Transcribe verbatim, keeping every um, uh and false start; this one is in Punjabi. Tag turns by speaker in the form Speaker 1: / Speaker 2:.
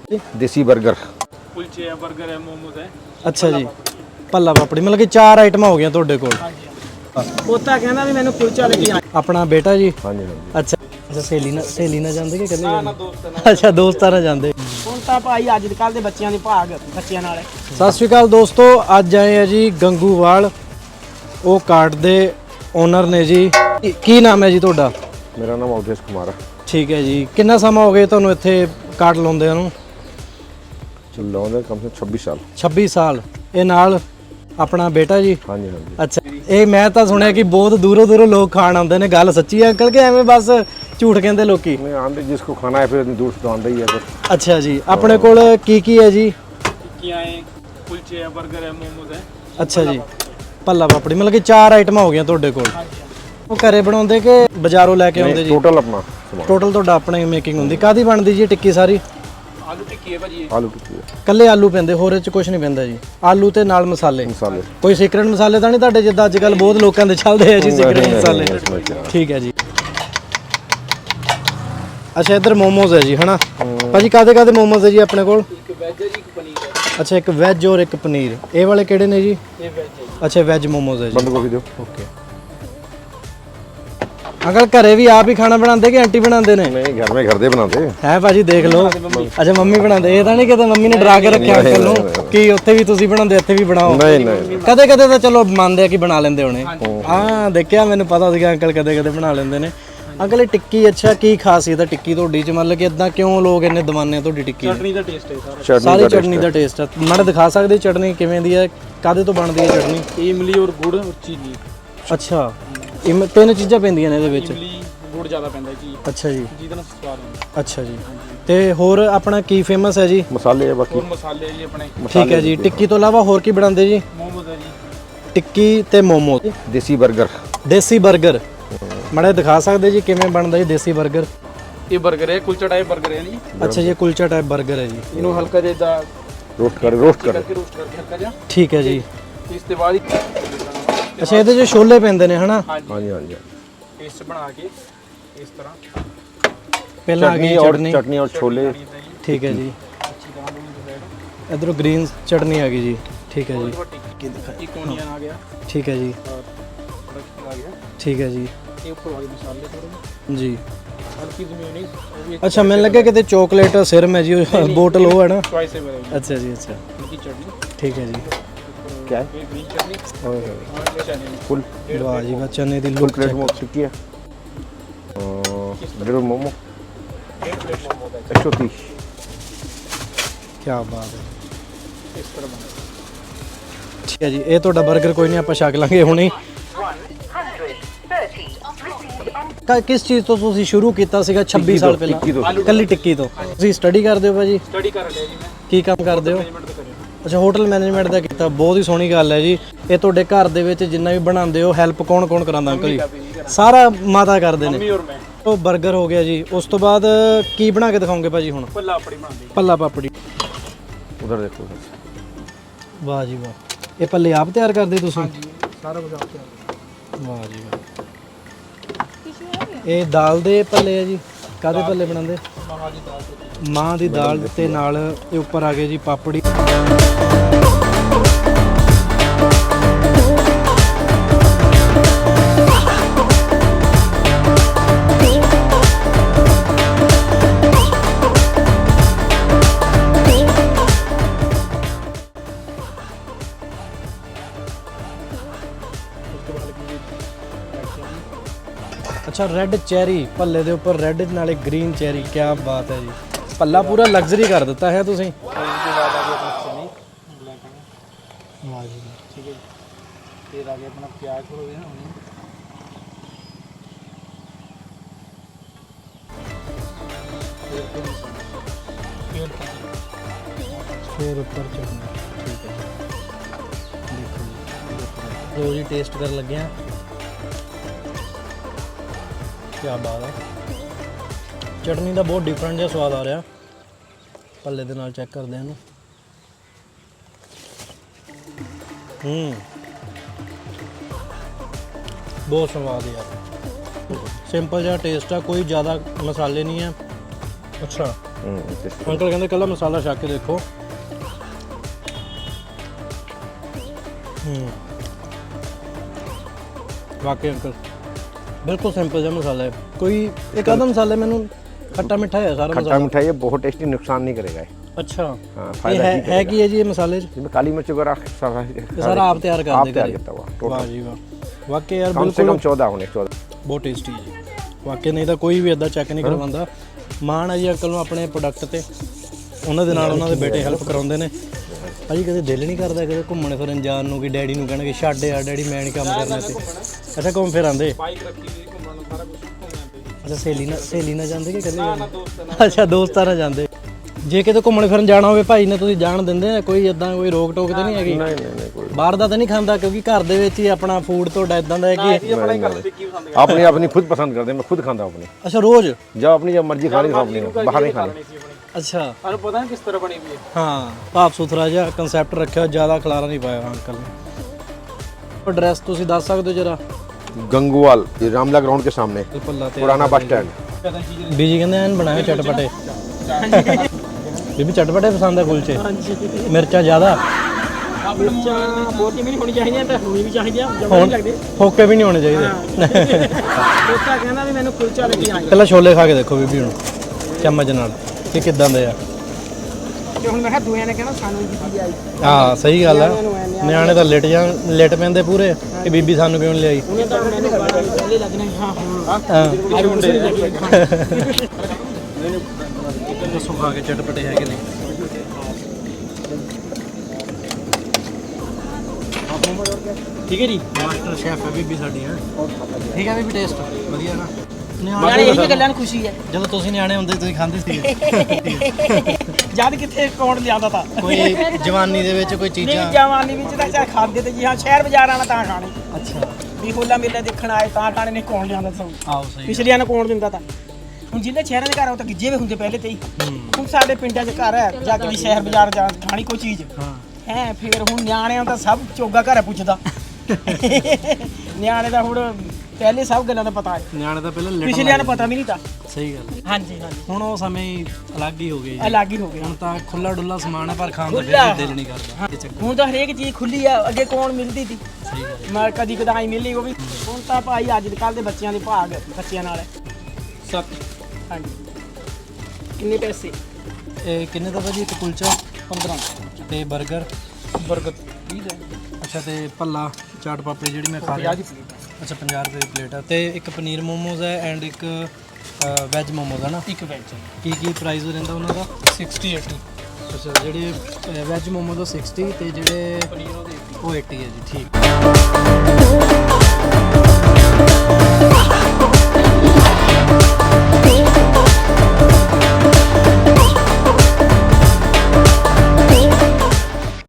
Speaker 1: देसी बर्गर
Speaker 2: कुलचे है, बर्गर है, मोमोज है।
Speaker 3: ਅੱਛਾ ਜੀ ਭੱਲਾ ਪਾਪੜੀ ਮਤਲਬ ਕਿ ਚਾਰ ਆਈਟਮਾਂ ਹੋ ਗਈਆਂ ਤੁਹਾਡੇ ਕੋਲ।
Speaker 2: पोता कहना भी मैंने कुलचा लेके आया।
Speaker 3: ਆਪਣਾ ਬੇਟਾ ਜੀ
Speaker 1: हाँ जी हाँ जी
Speaker 3: ਅੱਛਾ ਅੱਛਾ ਸਹੇਲੀ ਨਾਲ ਸਹੇਲੀ ਨਾਲ ਜਾਂਦੇ ਕਿ ਇਕੱਲੇ
Speaker 2: ਨਾ
Speaker 3: ਜਾਂਦੇ?
Speaker 2: ਦੋਸਤਾਂ ਨਾਲ।
Speaker 3: ਅੱਛਾ ਦੋਸਤਾਂ ਨਾਲ ਜਾਂਦੇ।
Speaker 2: ਹੁਣ ਤਾਂ ਭਾਈ ਅੱਜ ਕੱਲ੍ਹ ਦੇ ਬੱਚਿਆਂ ਦੀ ਭਾਗ ਬੱਚਿਆਂ ਨਾਲ ਹੈ।
Speaker 3: ਸਤਿ ਸ਼੍ਰੀ ਅਕਾਲ ਦੋਸਤੋ, ਅੱਜ ਆਏ ਆ ਜੀ ਗੰਗੂਵਾਲ, ਉਹ ਕਾਰਟ ਦੇ ਓਨਰ ਨੇ ਜੀ। ਕੀ- ਕੀ ਨਾਮ ਹੈ ਜੀ ਤੁਹਾਡਾ?
Speaker 1: मेरा नाम अवधेश कुमार है।
Speaker 3: ਠੀਕ ਹੈ ਜੀ, ਕਿੰਨਾ ਸਮਾਂ ਹੋ ਗਿਆ ਤੁਹਾਨੂੰ ਇੱਥੇ ਕਾਰਟ ਲਾਉਂਦਿਆਂ ਨੂੰ?
Speaker 1: लाਉਂਦੇ कम से कम छब्बीस साल।
Speaker 3: ਛੱਬੀ ਸਾਲ। ਇਹ ਨਾਲ ਆਪਣਾ ਬੇਟਾ ਜੀ।
Speaker 1: हाँ जी हाँ जी
Speaker 3: ਅੱਛਾ, ਇਹ ਮੈਂ ਤਾਂ ਸੁਣਿਆ ਕਿ ਬਹੁਤ ਦੂਰੋਂ ਦੂਰੋਂ ਲੋਕ ਖਾਣ ਆਉਂਦੇ ਨੇ, ਗੱਲ ਸੱਚੀ ਹੈ ਅੰਕਲ ਕਿ ਐਵੇਂ ਬਸ ਝੂਠ ਕਹਿੰਦੇ ਲੋਕੀ?
Speaker 1: नहीं आंधे जिसको खाना है फिर इतनी दूर से तो आंधा ही है फिर।
Speaker 3: ਅੱਛਾ ਜੀ, ਆਪਣੇ ਕੋਲ ਕੀ ਕੀ ਹੈ ਜੀ?
Speaker 2: टिक्कियाँ हैं, कुलचे है, बर्गर है, मोमोज है।
Speaker 3: ਅੱਛਾ ਜੀ ਭੱਲਾ ਪਾਪੜੀ ਮਤਲਬ ਕਿ ਚਾਰ ਆਈਟਮਾਂ ਹੋ ਗਈਆਂ ਤੁਹਾਡੇ ਕੋਲ। ਉਹ ਘਰੇ ਬਣਾਉਂਦੇ ਕਿ ਬਾਜ਼ਾਰੋਂ ਲੈ ਕੇ ਆਉਂਦੇ ਜੀ?
Speaker 1: टोटल अपना सामान।
Speaker 3: ਟੋਟਲ ਤੁਹਾਡਾ ਆਪਣਾ ਹੀ ਮੇਕਿੰਗ ਹੁੰਦੀ? ਕਾਦੀ ਬਣਦੀ ਜੀ ਟਿੱਕੀ ਸਾਰੀ?
Speaker 2: आलू टिक्की है भाजी।
Speaker 1: आलू टिक्की है,
Speaker 3: ਕੱਲੇ ਆਲੂ ਪੈਂਦੇ, ਹੋਰ ਇਹ ਚ ਕੁਝ ਨਹੀਂ ਪੈਂਦਾ ਜੀ? ਆਲੂ ਤੇ ਨਾਲ ਮਸਾਲੇ?
Speaker 1: मसाले।
Speaker 3: ਕੋਈ ਸੀਕ੍ਰੇਟ ਮਸਾਲੇ ਤਾਂ ਨਹੀਂ ਤੁਹਾਡੇ, ਜਿੱਦਾਂ ਅੱਜ ਕੱਲ ਬਹੁਤ ਲੋਕਾਂ ਦੇ ਚੱਲਦੇ ਆ ਜੀ ਸੀਕ੍ਰੇਟ ਮਸਾਲੇ?
Speaker 1: इसमें क्या है?
Speaker 3: ਠੀਕ ਹੈ ਜੀ। ਅੱਛਾ ਇੱਧਰ ਮੋਮੋਜ਼ ਹੈ ਜੀ ਹਨਾ ਭਾਜੀ? ਕਾਦੇ ਕਾਦੇ ਮੋਮੋਜ਼ ਹੈ ਜੀ ਆਪਣੇ ਕੋਲ?
Speaker 2: एक वेज है जी, एक पनीर है।
Speaker 3: ਅੱਛਾ ਇੱਕ ਵੈਜ ਔਰ ਇੱਕ ਪਨੀਰ। ਇਹ ਵਾਲੇ ਕਿਹੜੇ ਨੇ ਜੀ?
Speaker 2: ये वेज है।
Speaker 3: ਅੱਛਾ ਵੈਜ ਮੋਮੋਜ਼ ਹੈ ਜੀ।
Speaker 1: बंद गोभी दो।
Speaker 3: ਓਕੇ ਅੰਕਲ ਘਰੇ ਵੀ ਆਪ ਹੀ ਖਾਣਾ ਬਣਾਉਂਦੇ ਕਿ ਆਂਟੀ ਬਣਾਉਂਦੇ ਨੇ?
Speaker 1: नहीं घर में घर दे बनाते।
Speaker 3: ਹੈ ਭਾਜੀ ਦੇਖ ਲਓ। ਅੱਛਾ ਮੰਮੀ ਬਣਾਉਂਦੇ? ਇਹ ਤਾਂ ਨਹੀਂ ਕਿਤੇ ਮੰਮੀ ਨੇ ਡਰਾ ਕੇ ਰੱਖਿਆ ਅੰਕਲ ਨੂੰ ਕਿ ਉੱਥੇ ਵੀ ਤੁਸੀਂ ਬਣਾਉਂਦੇ ਇੱਥੇ ਵੀ ਬਣਾਓ?
Speaker 1: नहीं नहीं
Speaker 3: ਕਦੇ ਕਦੇ ਤਾਂ ਚਲੋ ਮੰਨਦੇ ਆ ਕਿ ਬਣਾ ਲੈਂਦੇ ਹੋਣੇ। ਹਾਂ ਦੇਖਿਆ, ਮੈਨੂੰ ਪਤਾ ਸੀਗਾ ਅੰਕਲ ਕਦੇ ਕਦੇ ਬਣਾ ਲੈਂਦੇ ਨੇ। ਅੰਕਲ ਇਹ ਟਿੱਕੀ ਅੱਛਾ ਕੀ ਖਾਸੀਅਤ ਹੈ ਟਿੱਕੀ ਤੁਹਾਡੀ ਚ? ਮਤਲਬ ਕਿ ਇਦਾਂ ਕਿਉਂ ਲੋਕ ਇੰਨੇ ਦੀਵਾਨੇ ਆ ਤੁਹਾਡੀ ਟਿੱਕੀ ਦੇ?
Speaker 2: चटनी का टेस्ट है सारा।
Speaker 1: चटनी
Speaker 3: ਸਾਰੀ
Speaker 1: का
Speaker 3: ਚਟਨੀ ਦਾ ਟੇਸਟ ਹੈ। ਮਾੜਾ ਦਿਖਾ ਸਕਦੇ ਚਟਨੀ ਕਿਵੇਂ ਦੀ ਹੈ, ਕਾਦੇ ਤੋਂ ਬਣਦੀ ਹੈ ਚਟਨੀ?
Speaker 2: इमली और गुड़ और चीनी।
Speaker 3: ਅੱਛਾ ਇਹ ਤਿੰਨ ਚੀਜ਼ਾਂ ਪੈਂਦੀਆਂ ਨੇ ਇਹਦੇ ਵਿੱਚ?
Speaker 2: इमली गुड़ ज़्यादा पैंदा है जी,
Speaker 3: ਅੱਛਾ ਜੀ
Speaker 2: ਜਿਹਦੇ ਨਾਲ ਸਵਾਦ ਆਉਂਦਾ।
Speaker 3: ਅੱਛਾ ਜੀ। ਤੇ ਹੋਰ ਆਪਣਾ ਕੀ ਫੇਮਸ ਹੈ ਜੀ?
Speaker 1: मसाले है बाकी।
Speaker 2: ਹੋਰ ਮਸਾਲੇ ਜੀ ਆਪਣੇ
Speaker 3: ਠੀਕ ਹੈ ਜੀ। ਟਿੱਕੀ ਤੋਂ ਇਲਾਵਾ ਹੋਰ ਕੀ ਬਣਾਉਂਦੇ ਜੀ?
Speaker 2: ਮੋਮੋਜ਼ ਹੈ ਜੀ।
Speaker 3: ਟਿੱਕੀ ਤੇ ਮੋਮੋ।
Speaker 1: देसी बर्गर।
Speaker 3: ਦੇਸੀ 버ਗਰ ਮਾੜਾ ਦਿਖਾ ਸਕਦੇ ਜੀ ਕਿਵੇਂ ਬਣਦਾ ਜੀ ਦੇਸੀ 버ਗਰ?
Speaker 2: ਇਹ 버ਗਰ ਹੈ, ਕੁਲਚਾ ਟਾਈਪ 버ਗਰ ਹੈ ਜੀ।
Speaker 3: ਅੱਛਾ ਜੀ ਕੁਲਚਾ ਟਾਈਪ 버ਗਰ ਹੈ ਜੀ।
Speaker 2: ਇਹਨੂੰ ਹਲਕਾ ਜਿਹਾ ਇਦਾਂ
Speaker 1: रोस्ट कर रोस्ट कर
Speaker 2: ਕਰਕੇ ਰੋਸਟ ਕਰਕੇ ਹਲਕਾ ਜਿਹਾ,
Speaker 3: ਠੀਕ ਹੈ ਜੀ।
Speaker 2: ਇਸ ਤੋਂ ਬਾਅਦ
Speaker 3: ਅੱਛਾ ਇਹਦੇ ਚ ਛੋਲੇ ਪੈਂਦੇ ਨੇ ਹਨਾ?
Speaker 2: ਹਾਂਜੀ
Speaker 1: हाँ जी हाँ जी।
Speaker 2: ਪੇਸਟ ਬਣਾ ਕੇ ਇਸ ਤਰ੍ਹਾਂ
Speaker 3: ਪਹਿਲਾਂ ਆ ਗਈ
Speaker 1: चटनी और
Speaker 3: ਚਟਨੀ।
Speaker 1: चटनी और छोले।
Speaker 3: ਠੀਕ ਹੈ ਜੀ।
Speaker 2: ਅੱਛੀ ਤਰ੍ਹਾਂ ਨੂੰ ਸਾਈਡ
Speaker 3: ਇਧਰੋਂ ਗ੍ਰੀਨ ਚਟਨੀ ਆ ਗਈ ਜੀ। ਠੀਕ ਹੈ ਜੀ।
Speaker 2: ਕੀ ਦਿਖਾਈ ਇੱਕ ਓਨੀਅਨ ਆ ਗਿਆ
Speaker 3: ਠੀਕ ਹੈ ਜੀ।
Speaker 2: ਔਰ ਥੋੜਾ ਆ ਗਿਆ।
Speaker 3: ਠੀਕ ਹੈ ਜੀ
Speaker 2: ਇਹ ਉੱਪਰ ਵਾਲੇ ਮਸਾਲੇ ਥੋੜੇ
Speaker 3: ਜੀ।
Speaker 2: ਹਲਕੀ ਜਿਹੀ ਮਿਓਨੀਜ਼ ਉਹ ਵੀ
Speaker 3: ਅੱਛਾ ਮੈਨੂੰ ਲੱਗਾ ਕਿਤੇ ਚੋਕਲੇਟ ਸਿਰਮ ਹੈ ਜੀ, ਉਹ ਬੋਟਲ ਉਹ ਹੈ ਨਾ?
Speaker 2: ਚੁਆਇਸੇਬਲ ਹੈ ਜੀ।
Speaker 3: ਅੱਛਾ ਜੀ ਅੱਛਾ
Speaker 2: ਮਿੱਠੀ ਚਟਨੀ
Speaker 3: ਠੀਕ ਹੈ ਜੀ।
Speaker 1: क्या है?
Speaker 2: ਇਹ ਗ੍ਰੀਨ ਚਟਨੀ
Speaker 1: ओए होए।
Speaker 2: ਔਰ ਚਟਨੀ
Speaker 1: फुल
Speaker 3: ਵਾਹ ਜੀ ਵਾਹ, ਚਨੇ ਦੀ
Speaker 1: full
Speaker 3: look
Speaker 1: plate
Speaker 3: check.
Speaker 1: Momo tikki है। डेढ़ मोमो
Speaker 2: एक प्लेट मोमो है
Speaker 1: एक सौ तीस।
Speaker 3: ਕੀ ਬਾਤ ਹੈ।
Speaker 2: इस तरह बना
Speaker 3: ਠੀਕ ਹੈ ਜੀ, ਇਹ ਤੁਹਾਡਾ 버ਗਰ ਕੋਈ ਨਹੀਂ, ਆਪਾਂ ਛਕ ਲਾਂਗੇ ਹੁਣੇ। ਤਾਂ ਕਿਸ ਚੀਜ਼ ਤੋਂ ਤੁਸੀਂ ਸ਼ੁਰੂ ਕੀਤਾ ਸੀਗਾ ਛੱਬੀ ਸਾਲ
Speaker 1: ਟਿੱਕੀ
Speaker 3: ਪਹਿਲਾਂ?
Speaker 1: ਤੋਂ।
Speaker 3: ਕੱਲੀ ਟਿੱਕੀ ਤੋਂ। ਤੁਸੀਂ ਸਟੱਡੀ ਕਰਦੇ ਹੋ ਭਾਜੀ?
Speaker 2: स्टडी कर लिया जी मैं,
Speaker 3: ਕੀ ਕੰਮ ਕਰਦੇ ਹੋ?
Speaker 2: मैनेजमेंट तो करें।
Speaker 3: ਅੱਛਾ ਹੋਟਲ ਮੈਨੇਜਮੈਂਟ ਦਾ ਕੀਤਾ, ਬਹੁਤ ਹੀ ਸੋਹਣੀ ਗੱਲ ਹੈ ਜੀ। ਇਹ ਤੁਹਾਡੇ ਘਰ ਦੇ ਵਿੱਚ ਜਿੰਨਾ ਵੀ ਬਣਾਉਂਦੇ ਹੋ ਹੈਲਪ ਕੌਣ ਕੌਣ ਕਰਾਉਂਦਾ ਅੰਕਲ ਜੀ?
Speaker 2: काफी जी करा।
Speaker 3: ਸਾਰਾ ਮਾਤਾ ਕਰਦੇ ਨੇ।
Speaker 2: मम्मी और मैं
Speaker 3: ਉਹ 버ਗਰ ਹੋ ਗਿਆ ਜੀ, ਉਸ ਤੋਂ ਬਾਅਦ ਕੀ ਬਣਾ ਕੇ ਦਿਖਾਓਗੇ ਭਾਜੀ ਹੁਣ?
Speaker 2: पल्ला अपनी बना दी।
Speaker 3: ਭੱਲਾ ਪਾਪੜੀ।
Speaker 1: उधर देखो उधर।
Speaker 3: ਵਾਹ ਜੀ ਵਾਹ, ਇਹ ਭੱਲੇ ਆਪ ਤਿਆਰ ਕਰਦੇ ਤੁਸੀਂ?
Speaker 2: सारा कुछ आपके
Speaker 3: ਵਾਹ ਜੀ ਵਾਹ। ਇਹ ਦਾਲ ਦੇ ਭੱਲੇ ਆ ਜੀ? ਕਾਦੇ ਭੱਲੇ ਬਣਾਉਂਦੇ?
Speaker 2: महा दी दाल।
Speaker 3: ਮਾਂ ਦੀ ਦਾਲ ਤੇ ਨਾਲ ਇਹ ਉੱਪਰ ਆ ਗਏ ਜੀ ਪਾਪੜੀ। ਅੱਛਾ ਰੈੱਡ ਚੈਰੀ ਭੱਲੇ ਦੇ ਉੱਪਰ, ਰੈੱਡ ਨਾਲੇ ਗ੍ਰੀਨ ਚੈਰੀ, ਕੀ ਬਾਤ ਹੈ ਜੀ। ਭੱਲਾ ਪੂਰਾ ਲਗਜ਼ਰੀ ਕਰ ਦਿੱਤਾ ਹੈ ਤੁਸੀਂ।
Speaker 2: उसके बाद आ गया अपना चने ब्लैक है।
Speaker 3: ਵਾਹ ਜੀ
Speaker 2: ठीक है जी। फिर आ गया अपना प्याज थोड़ा ना onion। फिर फिर मसाला। फिर
Speaker 3: ਫਿਰ ਉੱਪਰ ਚਟਨੀ। ਠੀਕ ਹੈ ਜੀ। ਦੇਖੋ ਜੀ ਲੋ ਜੀ ਟੇਸਟ ਕਰਨ ਲੱਗੇ ਆ। ਕੀ ਬਾਤ ਹੈ, ਚਟਨੀ ਦਾ ਬਹੁਤ ਡਿਫਰੈਂਟ ਜਿਹਾ ਸਵਾਦ ਆ ਰਿਹਾ। ਭੱਲੇ ਦੇ ਨਾਲ ਚੈੱਕ ਕਰਦੇ ਹਾਂ ਇਹਨੂੰ। ਹੂੰ ਬਹੁਤ ਸਵਾਦ ਯਾਰ, ਸਿੰਪਲ ਜਿਹਾ ਟੇਸਟ ਆ, ਕੋਈ ਜ਼ਿਆਦਾ ਮਸਾਲੇ ਨਹੀਂ ਆ। ਅੱਛਾ
Speaker 1: ਹੂੰ tasty।
Speaker 3: ਅੰਕਲ ਕਹਿੰਦੇ ਕੱਲਾ ਮਸਾਲਾ ਛਕ ਕੇ ਦੇਖੋ। ਹੂੰ ਵਾਕਈ ਅੰਕਲ ਬਿਲਕੁਲ ਸਿੰਪਲ ਜਿਹਾ ਮਸਾਲਾ ਹੈ। ਕੋਈ ਇੱਕ ਆਧਾ ਮਸਾਲੇ ਮੈਨੂੰ ਖੱਟਾ ਮਿੱਠਾ ਹੈ ਸਾਰਾ
Speaker 1: खट्टा
Speaker 3: ਮਸਾਲਾ।
Speaker 1: मीठा ये बहुत टेस्टी, नुकसान नहीं करेगा ये।
Speaker 3: ਅੱਛਾ
Speaker 1: हाँ
Speaker 3: ਇਹ
Speaker 1: फायदा
Speaker 3: ਹੈ
Speaker 1: ही
Speaker 3: ਹੈ
Speaker 1: करेगा।
Speaker 3: ਕੀ ਹੈ ਜੀ ਇਹ ਮਸਾਲੇ 'ਚ?
Speaker 1: इसमें काली मिर्च वगैरह सारा
Speaker 3: ਇਹ ਸਾਰਾ ਆਪ ਤਿਆਰ
Speaker 1: आप
Speaker 3: ਕਰਦੇ
Speaker 1: तैयार
Speaker 3: ਘਰੇ?
Speaker 1: करता हुआ
Speaker 3: ਵਾਹ
Speaker 1: टोटल
Speaker 3: ਜੀ ਵਾਹ ਵਾਕਈ ਯਾਰ
Speaker 1: कम से
Speaker 3: ਬਿਲਕੁਲ
Speaker 1: कम चौदह होने चौदह।
Speaker 3: ਬਹੁਤ ਟੇਸਟੀ ਜੀ ਵਾਕਈ, ਨਹੀਂ ਤਾਂ ਕੋਈ ਵੀ ਇਦਾਂ ਚੈੱਕ ਨਹੀਂ ਕਰਵਾਉਂਦਾ। ਮਾਣ ਹੈ ਜੀ ਅੰਕਲ ਨੂੰ ਆਪਣੇ ਪ੍ਰੋਡਕਟ ਤੇ, ਉਹਨਾਂ ਦੇ ਨਾਲ ਉਹਨਾਂ ਦੇ ਬੇਟੇ ਹੈਲਪ ਕਰਾਉਂਦੇ ਨੇ। ਭਾਜੀ ਕਦੇ ਦਿਲ ਨਹੀਂ ਕਰਦਾ ਕਦੇ ਘੁੰਮਣ ਫਿਰਨ ਜਾਣ ਨੂੰ, ਕਿ ਡੈਡੀ ਨੂੰ ਕਹਿਣਗੇ ਛੱਡ ਯਾਰ ਡੈਡੀ ਮੈਂ ਨਹੀਂ ਕੰਮ ਕਰਨਾ ਤੇ? ਅੱਛਾ ਘੁੰਮ ਫਿਰ ਆਉਂਦੇ?
Speaker 2: ਬਾਈਕ ਰੱਖੀ ਹੋਈ ਘੁੰਮਣ ਨੂੰ ਸਾਰਾ ਕੁਝ ਘੁੰਮ ਜਾਂਦੇ।
Speaker 3: ਅੱਛਾ ਸਹੇਲੀ ਨਾਲ ਸਹੇਲੀ ਨਾਲ ਜਾਂਦੇ ਕਿ ਇਕੱਲੇ ਜਾਂਦੇ?
Speaker 2: ਦੋਸਤਾਂ ਨਾਲ।
Speaker 3: ਅੱਛਾ ਦੋਸਤਾਂ ਨਾਲ ਜਾਂਦੇ। ਜੇ ਕਿਤੇ ਘੁੰਮਣ ਫਿਰਨ ਜਾਣਾ ਹੋਵੇ ਭਾਈ ਨੇ, ਤੁਸੀਂ ਜਾਣ ਦਿੰਦੇ ਆ? ਕੋਈ ਇਦਾਂ ਕੋਈ ਰੋਕ ਟੋਕ ਤੇ ਨਹੀਂ ਹੈਗੀ?
Speaker 1: नहीं नहीं नहीं कोई
Speaker 3: ਬਾਹਰ ਦਾ ਤਾਂ ਨਹੀਂ ਖਾਂਦਾ? ਕਿਉਂਕਿ ਘਰ ਦੇ ਵਿੱਚ ਹੀ ਆਪਣਾ ਫੂਡ ਤੁਹਾਡਾ ਇਦਾਂ ਦਾ ਹੈ ਕਿ
Speaker 2: ਆਪਣਾ ਹੀ ਕਰਦੇ ਕੀ ਪਸੰਦ ਕਰਦੇ
Speaker 1: अपनी अपनी खुद पसंद करते हैं, मैं खुद खाता हूँ अपनी।
Speaker 3: ਅੱਛਾ ਰੋਜ਼?
Speaker 1: जब अपनी जब मर्जी खानी खाओ, अपनी बाहर नहीं खानी।
Speaker 2: ਸੀ ਆਪਣੀ।
Speaker 3: ਅੱਛਾ
Speaker 2: ਸਾਨੂੰ ਪਤਾ ਨਹੀਂ ਕਿਸ ਤਰ੍ਹਾਂ ਬਣੀ ਹੋਈ ਹੈ।
Speaker 3: ਹਾਂ ਭਾਫ ਸੁਥਰਾ ਜਿਹਾ ਕਨਸੈਪਟ ਰੱਖਿਆ, ਜ਼ਿਆਦਾ ਖਲਾਰਾ ਨਹੀਂ ਪਾਇਆ ਅੰਕਲ ਨੇ। ਐਡਰੈਸ ਤੁਸੀਂ ਦੱਸ ਸਕਦੇ ਹੋ ਜਰਾ?
Speaker 1: गंगूवाल, ये रामला ग्राउंड के सामने,
Speaker 3: ਪੱਲਾ ਤੇ
Speaker 1: पुराना बस स्टैंड।
Speaker 2: ਕਦਾਂ ਚੀਜ਼
Speaker 3: ਬੀਜੀ ਕਹਿੰਦੇ ਐਨ ਬਣਾਏ ਚਟਪਟੇ। ਬੀਬੀ ਚਟਪਟੇ ਪਸੰਦ ਆ ਕੁਲਚੇ? ਮਿਰਚਾਂ ਜ਼ਿਆਦਾ?
Speaker 2: ਮਿਰਚਾਂ ਬਹੁਤੀ ਵੀ ਨਹੀਂ ਹੋਣੀ ਚਾਹੀਦੀਆਂ ਤੇ ਹੋਣੀ ਵੀ ਚਾਹੀਦੀਆਂ, ਜਮਾ ਨਹੀਂ ਲੱਗਦੇ।
Speaker 3: ਫੋਕੇ ਵੀ ਨਹੀਂ ਹੋਣੇ ਚਾਹੀਦੇ।
Speaker 2: ਦੋਸਤਾ ਕਹਿੰਦਾ ਵੀ ਮੈਨੂੰ ਕੁਲਚਾ ਲੈ ਕੇ ਆਇਆ।
Speaker 3: ਪਹਿਲਾਂ ਛੋਲੇ ਖਾ ਕੇ ਦੇਖੋ ਬੀਬੀ ਹੁਣ ਚਮਚ ਨਾਲ ਕਿ ਕਿੱਦਾਂ ਦੇ ਆ।
Speaker 2: ਤੇ ਹੁਣ ਮੈਂ ਕਿਹਾ ਦੂਆਂ ਨੇ ਕਹਿਣਾ ਸਾਨੂੰ ਵੀ ਕੀ ਆਈ।
Speaker 3: ਹਾਂ ਸਹੀ ਗੱਲ ਆ, ਨਿਆਣੇ ਤਾਂ ਲਿਟ ਜਾਂ ਲਿਟ ਪੈਂਦੇ ਪੂਰੇ ਕਿ ਬੀਬੀ ਸਾਨੂੰ ਕਿਉਂ ਨੀ ਲਿਆਈ।
Speaker 2: ਉਹਨੇ ਤਾਂ ਮੈਨੂੰ ਪਹਿਲੇ ਲੱਗਣਾ ਹਾਂ ਹਾਂ
Speaker 3: ਹਾਂ
Speaker 2: ਆਈ ਮੁੰਡੇ
Speaker 3: ਦੱਸੋ ਖਾ ਕੇ ਚਟਪਟੇ ਹੈਗੇ ਨੇ?
Speaker 2: ਠੀਕ ਹੈ ਜੀ।
Speaker 3: ਮਾਸਟਰ ਸ਼ੈਫ ਹੈ ਬੀਬੀ ਸਾਡੀ ਹੈ। ਠੀਕ ਹੈ ਬੀਬੀ, ਟੇਸਟ ਵਧੀਆ ਨਾ?
Speaker 2: ਯਾਰ ਇਹ ਵੀ ਗੱਲਾਂ ਨੂੰ ਖੁਸ਼ੀ ਹੈ।
Speaker 3: ਜਦੋਂ ਤੁਸੀਂ ਨਿਆਣੇ ਹੁੰਦੇ ਤੁਸੀਂ ਖਾਂਦੇ ਸੀ?
Speaker 2: ਜਦ ਕਿੱਥੇ ਕੌਣ ਲਿਆਉਂਦਾ ਤਾਂ
Speaker 3: ਕੋਈ ਜਵਾਨੀ ਦੇ ਵਿੱਚ ਕੋਈ
Speaker 2: ਨਹੀਂ
Speaker 3: ਚੀਜ਼ਾਂ?
Speaker 2: ਜਵਾਨੀ ਵਿੱਚ ਤਾਂ ਚਾਹ ਖਾਂਦੇ ਤੇ ਜੀ ਹਾਂ, ਸ਼ਹਿਰ ਬਾਜ਼ਾਰ ਆਣਾ ਤਾਂ ਖਾਣੇ
Speaker 3: ਅੱਛਾ
Speaker 2: ਵੀ ਹੋਲਾ ਮੇਲਾ ਦੇਖਣ ਆਏ ਤਾਂ ਖਾਣੇ ਨੇ, ਕੌਣ ਲਿਆਉਂਦਾ ਸਭ?
Speaker 3: ਆਓ ਸਹੀ
Speaker 2: ਪਿਛਲੀਆਂ ਨੂੰ ਕੌਣ ਦਿੰਦਾ ਤਾਂ? ਹੁਣ ਜਿਹੜੇ ਸ਼ਹਿਰਾਂ ਦੇ ਘਰ ਉਹ ਤਾਂ ਗਿੱਜੇ ਵੀ ਹੁੰਦੇ ਪਹਿਲੇ ਤੇ ਹੀ। ਹੁਣ ਸਾਡੇ ਪਿੰਡਾਂ 'ਚ ਘਰ ਹੈ ਜਾ ਕੇ ਵੀ ਸ਼ਹਿਰ ਬਾਜ਼ਾਰ ਜਾ ਖਾਣੀ ਕੋਈ ਚੀਜ਼
Speaker 3: ਹਾਂ
Speaker 2: ਹੈ। ਫਿਰ ਹੁਣ ਨਿਆਣਿਆਂ ਦਾ ਸਭ ਚੋਗਾ ਘਰ ਹੈ ਪੁੱਛਦਾ। ਨਿਆਣੇ ਦਾ ਹੁਣ ਪਹਿਲੇ ਸਭ ਗੱਲਾਂ ਦਾ ਪਤਾ ਹੈ,
Speaker 3: ਨਿਆਣੇ ਤਾਂ ਪਹਿਲਾਂ ਲਿਟ
Speaker 2: ਪਿਛਲੀਆਂ ਨੂੰ ਪਤਾ ਵੀ ਨਹੀਂ ਤਾਂ।
Speaker 3: ਸਹੀ ਗੱਲ ਹੈ।
Speaker 2: ਹਾਂਜੀ ਹਾਂਜੀ
Speaker 3: ਹੁਣ ਉਹ ਸਮੇਂ ਹੀ ਅਲੱਗ ਹੀ ਹੋ ਗਏ ਜੀ।
Speaker 2: ਅਲੱਗ ਹੀ ਹੋ ਗਿਆ।
Speaker 3: ਹੁਣ ਤਾਂ ਖੁੱਲਾ ਡੁੱਲਾ ਸਮਾਨ ਹੈ ਪਰ ਖਾਣ ਦਾ
Speaker 2: ਖੁੱਲ੍ਹਾ।
Speaker 3: ਫਿਰ ਵੀ ਦਿਲ ਨਹੀਂ ਕਰਦਾ। ਇਹ ਚੱਕਰ
Speaker 2: ਹੁਣ ਤਾਂ ਹਰੇਕ ਚੀਜ਼ ਖੁੱਲੀ ਆ, ਅੱਗੇ ਕੌਣ ਮਿਲਦੀ ਸੀ?
Speaker 3: ਸਹੀ ਗੱਲ ਹੈ।
Speaker 2: ਮੈਂ ਕਦੀ ਕਦਾਈ ਮਿਲੀ ਉਹ ਵੀ। ਹੁਣ ਤਾਂ ਭਾਈ ਅੱਜ ਕੱਲ੍ਹ ਦੇ ਬੱਚਿਆਂ ਦੇ ਭਾਗ ਬੱਚਿਆਂ ਨਾਲ ਹੈ।
Speaker 3: ਸੱਤ
Speaker 2: ਹਾਂਜੀ ਕਿੰਨੇ ਪੈਸੇ?
Speaker 3: ਇਹ ਕਿੰਨੇ ਦਾ ਭਾਜੀ ਇੱਕ ਕੁਲਚਾ?
Speaker 2: ਪੰਦਰਾਂ
Speaker 3: ਤੇ 버ਗਰ?
Speaker 2: ਬਰਗਰ ਵੀਹ ਦਾ
Speaker 3: ਅੱਛਾ ਤੇ ਭੱਲਾ ਚਾਟ ਪਾਪੜੀ ਜਿਹੜੀ ਮੈਂ ਖਾ
Speaker 2: ਪੰਜਾਹ
Speaker 3: ਰਿਹਾ?
Speaker 2: ਦੀ ਪਲੇਟ
Speaker 3: ਅੱਛਾ ਪੰਜਾਹ ਰੁਪਏ ਦੀ ਪਲੇਟ ਆ। ਤੇ ਇੱਕ ਪਨੀਰ ਮੋਮੋਜ਼ ਹੈ ਐਂਡ ਇੱਕ ਵੈਜ ਮੋਮੋਜ਼ ਹੈ ਨਾ?
Speaker 2: ਇੱਕ ਵੈਜ
Speaker 3: ਕੀ ਕੀ ਪ੍ਰਾਈਸ ਰਹਿੰਦਾ ਉਹਨਾਂ ਦਾ?
Speaker 2: ਸਿਕਸਟੀ ਏਟੀ
Speaker 3: ਅੱਛਾ ਜਿਹੜੇ ਵੈਜ ਮੋਮੋਜ਼ ਉਹ ਸਿਕਸਟੀ ਤੇ ਜਿਹੜੇ
Speaker 2: ਪਨੀਰ ਉਹਦੇ
Speaker 3: ਉਹ ਏਟੀ ਹੈ ਜੀ। ਠੀਕ